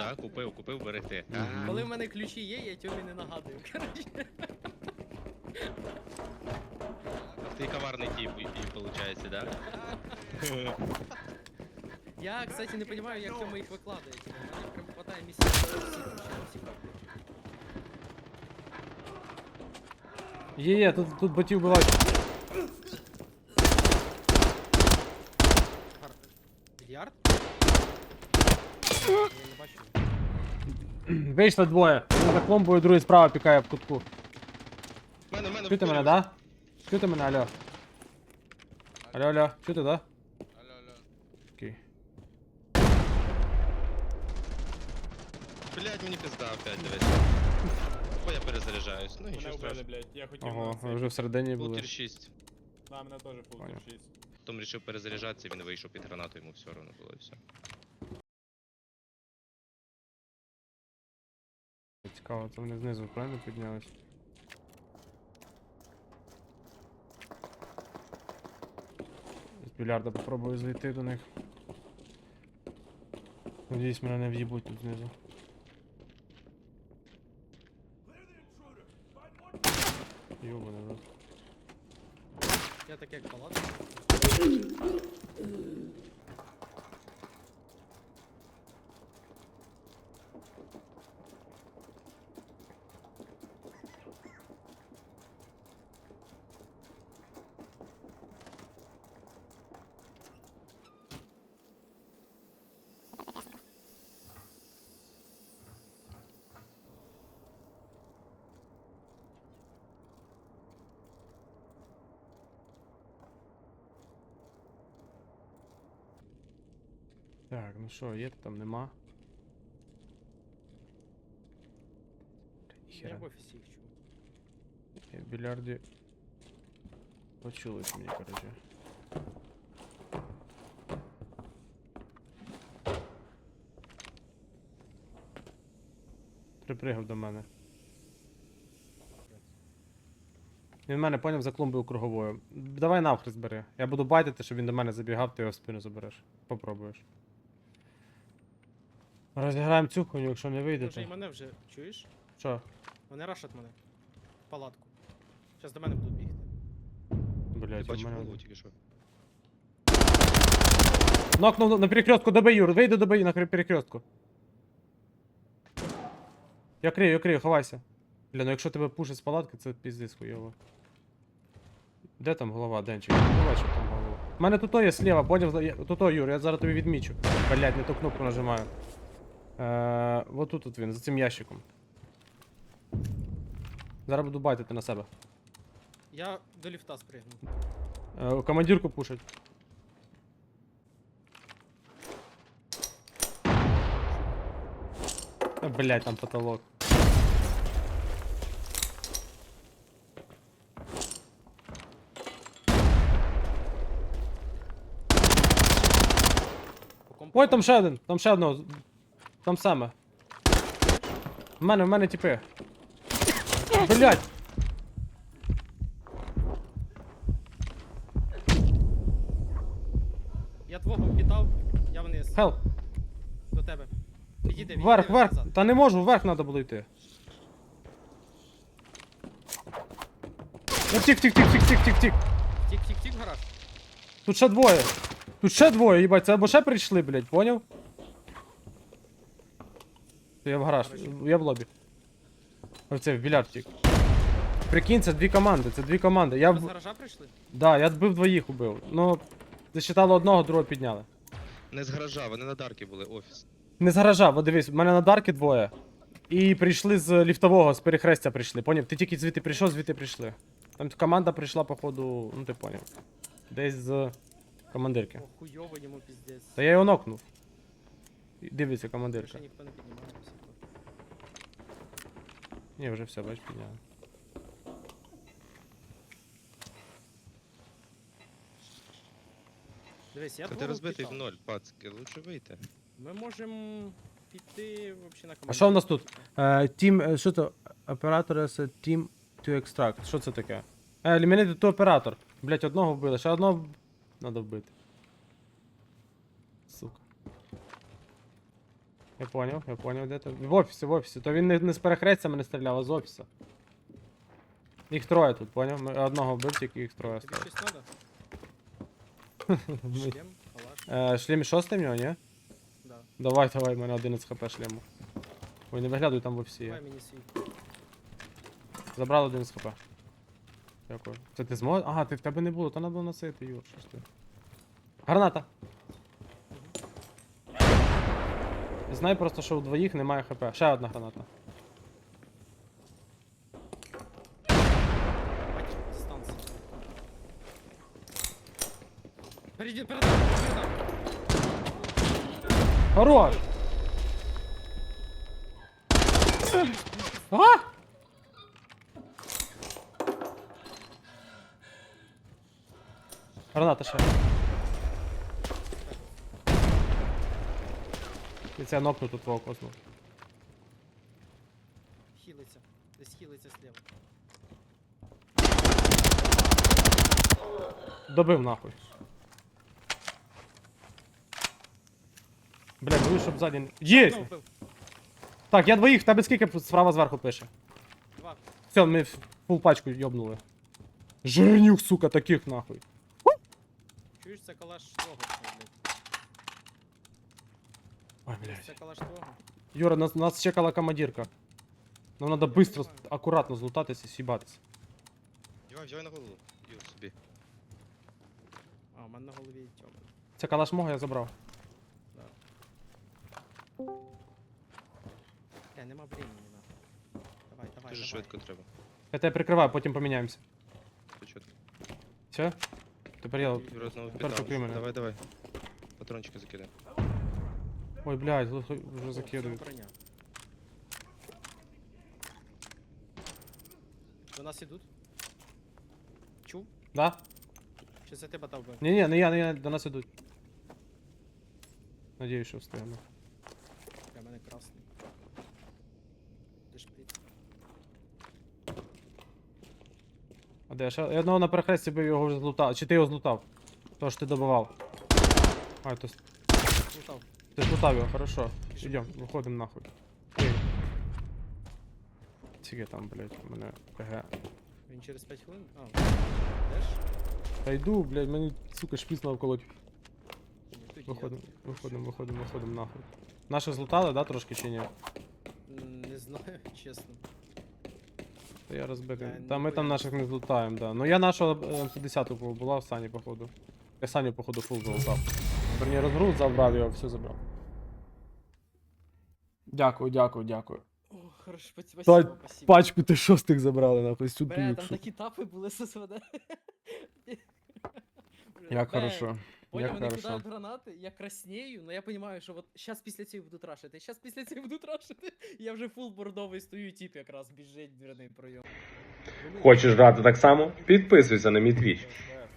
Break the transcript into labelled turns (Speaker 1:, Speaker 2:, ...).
Speaker 1: Да, купив берегти.
Speaker 2: Коли в мене ключі є, я Тьомі не нагадую, коротше.
Speaker 1: Ти коварний тип, і виходить, да?
Speaker 2: Я, кстати, не розумію, як Тьома їх викладає. Типу, в мене прям хватає місця всі ключі, всі карти.
Speaker 3: Є, тут ботів бувають.
Speaker 2: Більярд? Я не бачу.
Speaker 3: Вийшли двоє. Один за клумбою, другий справа пікає в кутку.
Speaker 1: Мене
Speaker 3: Чути мене, да? Чути мене, алло? Алло, чути, да?
Speaker 4: Алло.
Speaker 3: Окей.
Speaker 1: Блять, мені пизда опять, дивись. Бо я перезаряджаюсь, ну
Speaker 5: Мене
Speaker 1: нічого
Speaker 5: вбили,
Speaker 1: страшного.
Speaker 5: блядь, я хотів
Speaker 3: Ого,
Speaker 5: на
Speaker 3: ви
Speaker 5: цей.
Speaker 3: вже всередині були.
Speaker 1: Пултір 6.
Speaker 5: Да, мене теж пултір
Speaker 3: Понял.
Speaker 5: 6.
Speaker 1: Потім вирішив перезаряджатися, він вийшов під гранату, йому все одно було і все.
Speaker 3: Цікаво, це вони знизу правильно піднялись. З більярда попробую зайти до них. Надіюсь, мене не в'їбуть тут знизу. Йобаний рот.
Speaker 2: Я так як палатка.
Speaker 3: Так, ну що, є там, нема.
Speaker 2: Я
Speaker 3: Ніхера.
Speaker 2: в офісі їх чув.
Speaker 3: Я в більярді почулось мені, короче. Припригав до мене. Він в мене поняв за клумбою круговою. Давай навхрест бери. Я буду байтити, щоб він до мене забігав, ти його в спину забереш. Попробуєш. Розіграємо цю хуйню, якщо не вийде,
Speaker 2: Ти вже і
Speaker 3: то...
Speaker 2: мене вже чуєш?
Speaker 3: Що?
Speaker 2: Вони рашать мене. В палатку. Зараз до мене будуть бігти.
Speaker 1: Ти
Speaker 3: Блять, у
Speaker 1: бачив
Speaker 3: мене...
Speaker 1: голову тільки що.
Speaker 3: Нокнув на перекрестку, добий, Юр, вийди добий на перекрестку. Я крию, ховайся. Бля, ну якщо тебе пушить з палатки, це піздець хуйово. Де там голова, Денчик? Не бачу там голову. У мене тут є слева, поняв? Тут, Юр, я зараз тобі відмічу. Блять, не ту кнопку нажимаю. Вот тут він, за цим ящиком. Зараз буду байтити на себе.
Speaker 2: Я до ліфта спригну.
Speaker 3: Командирку пушать. Блять, там потолок. Ой, там ще один, там ще одного. Там саме. В мене тіпи. Блять!
Speaker 2: Я твого впітав, я вниз.
Speaker 3: Хелп!
Speaker 2: До тебе. Підійди,
Speaker 3: Вверх.
Speaker 2: назад.
Speaker 3: Та не можу, вверх треба було йти. Ну тік.
Speaker 2: Тік, гараж.
Speaker 3: Тут ще двоє, їбать, це або ще прийшли, блять, поняв? Я в гараж, я в лобі. Оце, в більярд тік. Прикинь, це дві команди, Я
Speaker 2: Ви з
Speaker 3: в...
Speaker 2: гаража прийшли?
Speaker 3: Да, я вбив двоїх убив. Ну, засчитало одного, другого підняли.
Speaker 1: Не з гаража, вони на дарки були, офіс.
Speaker 3: Не з гаража, бо дивись, в мене на дарки двоє. І прийшли з ліфтового, з перехрестя прийшли, поняв? Ти тільки звідти прийшов, звідти прийшли. Там команда прийшла, походу, ну ти поняв. Десь з командирки.
Speaker 2: О, хуйово йому піздець.
Speaker 3: Та я його нокнув. Дивиться командирка.
Speaker 2: Ще ніхто не піднімає. все.
Speaker 3: Ні, вже все, бач, підняли.
Speaker 2: Дивись, я
Speaker 1: Та ти
Speaker 2: твого
Speaker 1: розбитий в
Speaker 2: впітав.
Speaker 1: ноль, пацки, лучше вийти.
Speaker 2: Ми можемо піти вообще на команду.
Speaker 3: А що в нас тут? Team, що це? Оператор це Team to extract. Що це таке? Eliminate to оператор. Блять, одного вбили, ще одного надо вбити. Сука. Я поняв, де ти. В офісі. То він не з перехрестями не стріляв, а з офісу. Їх троє тут, поняв? Ми одного вбив, тільки їх троє
Speaker 2: Тобі
Speaker 3: стало.
Speaker 2: щось надо? Шлем, калаш.
Speaker 3: Шлем 6 в нього, ні?
Speaker 2: Да.
Speaker 3: Давай, в мене 11 хп шлему. Ой, не виглядуй, там в офісі є.
Speaker 2: Давай мені свій.
Speaker 3: Забрали 11 хп. Дякую. Це ти зможеш? Ага, в тебе не було, то треба було носити, Юр, що ж ти. Граната! Знай просто, що у двоїх немає хп. Ще одна граната.
Speaker 2: Бачиш, дистанція. Передам.
Speaker 3: Хорош! А? Граната ще. І це нокну тут твого косму.
Speaker 2: Хілиться. Десь хілиться слева.
Speaker 3: Добив нахуй. Бля, боюсь, щоб ззаді не... Єсть!
Speaker 2: Ну, вбив.
Speaker 3: Так, я двоїх, в тебе скільки справа зверху пише?
Speaker 2: 2.
Speaker 3: Все, ми фул пачку йобнули. Жирнюк, сука, таких нахуй.
Speaker 2: Чуєш, це калаш твого, блядь.
Speaker 3: Ой, блядь.
Speaker 2: Це калаш твого.
Speaker 3: Юра, нас чекала командирка. Нам треба быстро, акуратно злутатися і с'їбатися.
Speaker 1: Взяй на голову. Юр, собі.
Speaker 2: А, у мене на голові тьома.
Speaker 3: Це калаш мого я забрав.
Speaker 2: Да. Нема времени, нахуй. Давай.
Speaker 1: Дуже швидко треба.
Speaker 3: Я тебе прикриваю, потім поміняємося.
Speaker 1: Почути.
Speaker 3: Все? Тепер я...
Speaker 1: Юра знову
Speaker 3: Тепер
Speaker 1: піддав.
Speaker 3: покрий мене.
Speaker 1: Давай. Патрончики закидай.
Speaker 3: Ой, блядь, вже закидують.
Speaker 2: Броня. До нас ідуть? Чув?
Speaker 3: Да?
Speaker 2: Чи це тебе дав би?
Speaker 3: Ні, не я, до нас ідуть. Надіюсь, що встигну.
Speaker 2: Для мене красний. Ти шприц.
Speaker 3: А де? Ще я одного на перехресті бив, його вже злутав. Чи ти його злутав? То ж ти добивав. А, то
Speaker 2: Лутав.
Speaker 3: ти злутав його, хорошо. Ідем, виходимо нахуй. Ей. Скільки там, блядь, у мене КГ.
Speaker 2: Він через 5 хвилин? А, йдеш?
Speaker 3: Та йду, блядь, мені, сука, шпіц навколоть.
Speaker 2: Ні, тоді
Speaker 3: Виходимо нахуй. Наші злутали, да, трошки чи ні?
Speaker 2: я не знаю, чесно.
Speaker 3: Та я розбитий.
Speaker 2: Я
Speaker 3: Та ми там
Speaker 2: ніхуя
Speaker 3: наших не злутаємо, да. Ну я нашого М110 була в Сані, походу. Я Саню, походу, фул залутав. Верні розгруз забрав його, все забрав. Дякую.
Speaker 2: О, хорошо,
Speaker 3: Та
Speaker 2: спасибо.
Speaker 3: пачку ти шостих забрали, нахуй, сюди.
Speaker 2: Бля, там такі тапи були з СВД.
Speaker 3: Як хорошо.
Speaker 2: Понял,
Speaker 3: Як
Speaker 2: вони
Speaker 3: хорошо.
Speaker 2: кидають гранати, я краснею, но я понимаю, що от щас після цього будуть рашити, Я вже фул бордовий стою, тип якраз біжить в дверний пройом.
Speaker 4: Хочеш грати так само? Підписуйся на мій твіч.